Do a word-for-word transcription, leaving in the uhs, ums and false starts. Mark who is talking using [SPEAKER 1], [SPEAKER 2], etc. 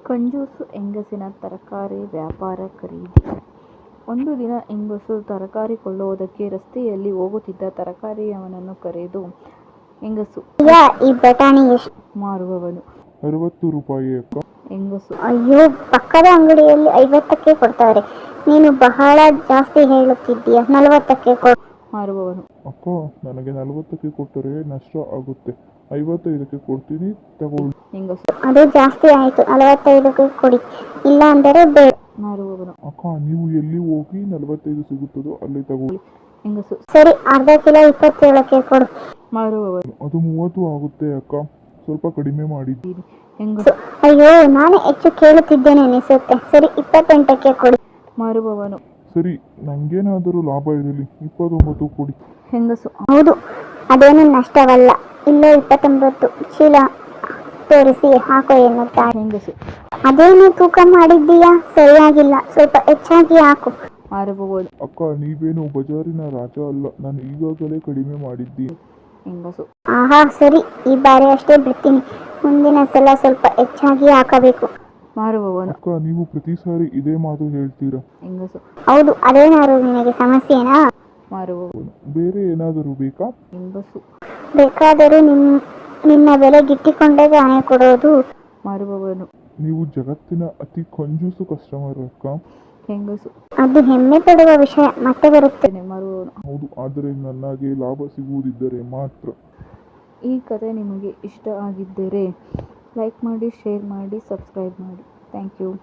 [SPEAKER 1] ಕಂಜೂಸು ಹೆಂಗಸಿನ ತರಕಾರಿ ವ್ಯಾಪಾರ ಖರೀದಿ. ಒಂದು ದಿನ ಹೆಂಗಸು ತರಕಾರಿ ಕೊಳ್ಳುವುದಕ್ಕೆ ರಸ್ತೆಯಲ್ಲಿ ಹೋಗುತ್ತಿದ್ದ ತರಕಾರಿಯವನನ್ನು ಕರೆದು, ಹೆಂಗಸು,
[SPEAKER 2] ಅಯ್ಯ, ಈ ಬಟಾಣಿ ಎಷ್ಟು?
[SPEAKER 1] ಮಾರುವವನು,
[SPEAKER 3] ಅರವತ್ತು ರೂಪಾಯಿ ಅಕ್ಕ.
[SPEAKER 1] ಹೆಂಗಸು,
[SPEAKER 2] ಅಯ್ಯೋ, ಪಕ್ಕದ ಅಂಗಡಿಯಲ್ಲಿ ಐವತ್ತಕ್ಕೆ ಕೊಡ್ತಾರೆ, ನೀನು ಬಹಳ ಜಾಸ್ತಿ ಹೇಳುತ್ತಿದ್ದೀಯ, ನಲವತ್ತಕ್ಕೆ ಕೊಡು.
[SPEAKER 1] ಮಾರುವವನು,
[SPEAKER 3] ಅಕ್ಕ, ನನಗೆ ನಲವತ್ತಕ್ಕೆ ಕೊಟ್ಟರೆ ನಷ್ಟ ಆಗುತ್ತೆ, ಐವತ್ತೈದಕ್ಕೆ ಕೊಡ್ತೀನಿ, ತಗೊಳ್ಳಿ.
[SPEAKER 1] ಹೆಂಗಸು,
[SPEAKER 2] ಅದು ಜಾಸ್ತಿ ಆಯಿತು, ನಲವತ್ತೈದಕ್ಕೆ ಕೊಡಿ, ಇಲ್ಲ ಅಂದರೆ ಬೇಡ.
[SPEAKER 1] ಮಾರುವವನು,
[SPEAKER 3] ಅಕ್ಕ, ನೀವು ಎಲ್ಲಿ ಹೋಗಿ ನಲವತ್ತೈದು ಸಿಗುತ್ತದೋ ಅಲ್ಲಿ ತಗೊಳ್ಳಿ.
[SPEAKER 1] ಹೆಂಗಸು,
[SPEAKER 2] ಸರಿ, ಅರ್ಧ ಕಿಲೋ ಇಪ್ಪತ್ತೇಳಕ್ಕೆ ಕೊಡು.
[SPEAKER 1] ಮಾರುವವನು,
[SPEAKER 3] ಅದು ಮೂವತ್ತು ಆಗುತ್ತೆ ಅಕ್ಕ, ಸ್ವಲ್ಪ ಕಡಿಮೆ ಮಾಡಿದ್ದೀನಿ.
[SPEAKER 1] ಹೆಂಗಸು,
[SPEAKER 2] ಅಯ್ಯೋ, ನಾನೇ ಹೆಚ್ಚು ಕೇಳುತ್ತಿದ್ದೇನೆ ಅನಿಸುತ್ತೆ, ಸರಿ, ಇಪ್ಪತ್ತೆಂಟಕ್ಕೆ ಕೊಡಿ.
[SPEAKER 1] ಮಾರುವವನು,
[SPEAKER 3] ಸರಿ, ನಂಗೇನಾದರೂ ಲಾಭ ಇರಲಿ, ಇಪ್ಪತ್ತೊಂಬತ್ತು ಕೊಡಿ.
[SPEAKER 1] ಹೆಂಗಸು,
[SPEAKER 2] ಹೌದು, ಅದೇನು ನಷ್ಟವಲ್ಲ, ಇಲ್ಲೇ ಇಪ್ಪತ್ತೊಂಬತ್ತು ಚೀಲ ತೋರಿಸಿ ಹಾಕೋ ಎನ್ನುತ್ತಾಳೆ.
[SPEAKER 1] ಹೆಂಗಸು,
[SPEAKER 2] ಅದೇನು ತೂಕ ಮಾಡಿದ್ದೀಯಾ, ಸರಿಯಾಗಿಲ್ಲ, ಸ್ವಲ್ಪ ಹೆಚ್ಚಾಗಿ ಹಾಕು.
[SPEAKER 1] ಮಾರುವವನು,
[SPEAKER 3] ಅಕ್ಕ, ನೀವೇನು ಬಜಾರಿನ ರಾಜ ಅಲ್ಲ, ನಾನು ಈಗಾಗಲೇ ಕಡಿಮೆ ಮಾಡಿದ್ದೀನಿ.
[SPEAKER 1] ಹೆಂಗಸು,
[SPEAKER 2] ಆಹಾ, ಸರಿ, ಈ ಬಾರಿ ಅಷ್ಟೇ ಬಿಡ್ತೀನಿ, ಮುಂದಿನ ಸಲ ಸ್ವಲ್ಪ ಹೆಚ್ಚಾಗಿ ಹಾಕಬೇಕು.
[SPEAKER 1] ಮಾರುವವನು,
[SPEAKER 3] ಅಕ್ಕ, ನೀವು ಪ್ರತಿ ಸಾರಿ ಇದೇ ಮಾತು ಹೇಳ್ತೀರಾ.
[SPEAKER 1] ಹೆಂಗಸು,
[SPEAKER 2] ಹೌದು, ಅದೇನಾದ್ರು ನಿನಗೆ ಸಮಸ್ಯೆನಾ?
[SPEAKER 1] ಮಾರುವವನು,
[SPEAKER 3] ಬೇರೆ ಏನಾದರೂ ಬೇಕಾ?
[SPEAKER 1] ಹೆಂಗಸು,
[SPEAKER 2] ಬೇಕಾದರೂ ನಿಮ್ ನಿನ್ನ ಬೆಲೆ ಗಿಟ್ಟಿಕೊಂಡೇ ತಾನೇ ಕೊಡೋದು.
[SPEAKER 1] ಮಾರುವವನು,
[SPEAKER 3] ನೀವು ಜಗತ್ತಿನ ಅತಿ ಕಂಜೂಸು ಕಸ್ಟಮರ್ ಅಕ್ಕ.
[SPEAKER 1] ಹೆಂಗಸು,
[SPEAKER 2] ಅದು ಹೆಮ್ಮೆ ಪಡುವ ವಿಷಯ, ಮತ್ತೆ ಬರುತ್ತೆ.
[SPEAKER 1] ಮಾರುವವನು.
[SPEAKER 3] ಹೌದು, ಆದರೆ ನನಗೆ ಲಾಭ ಸಿಗುವುದಿದ್ದರೆ ಮಾತ್ರ.
[SPEAKER 1] ಈ ಕಥೆ ನಿಮಗೆ ಇಷ್ಟ ಆಗಿದ್ದರೆ ಲೈಕ್ ಮಾಡಿ, ಶೇರ್ ಮಾಡಿ, ಸಬ್ಸ್ಕ್ರೈಬ್ ಮಾಡಿ. Thank you.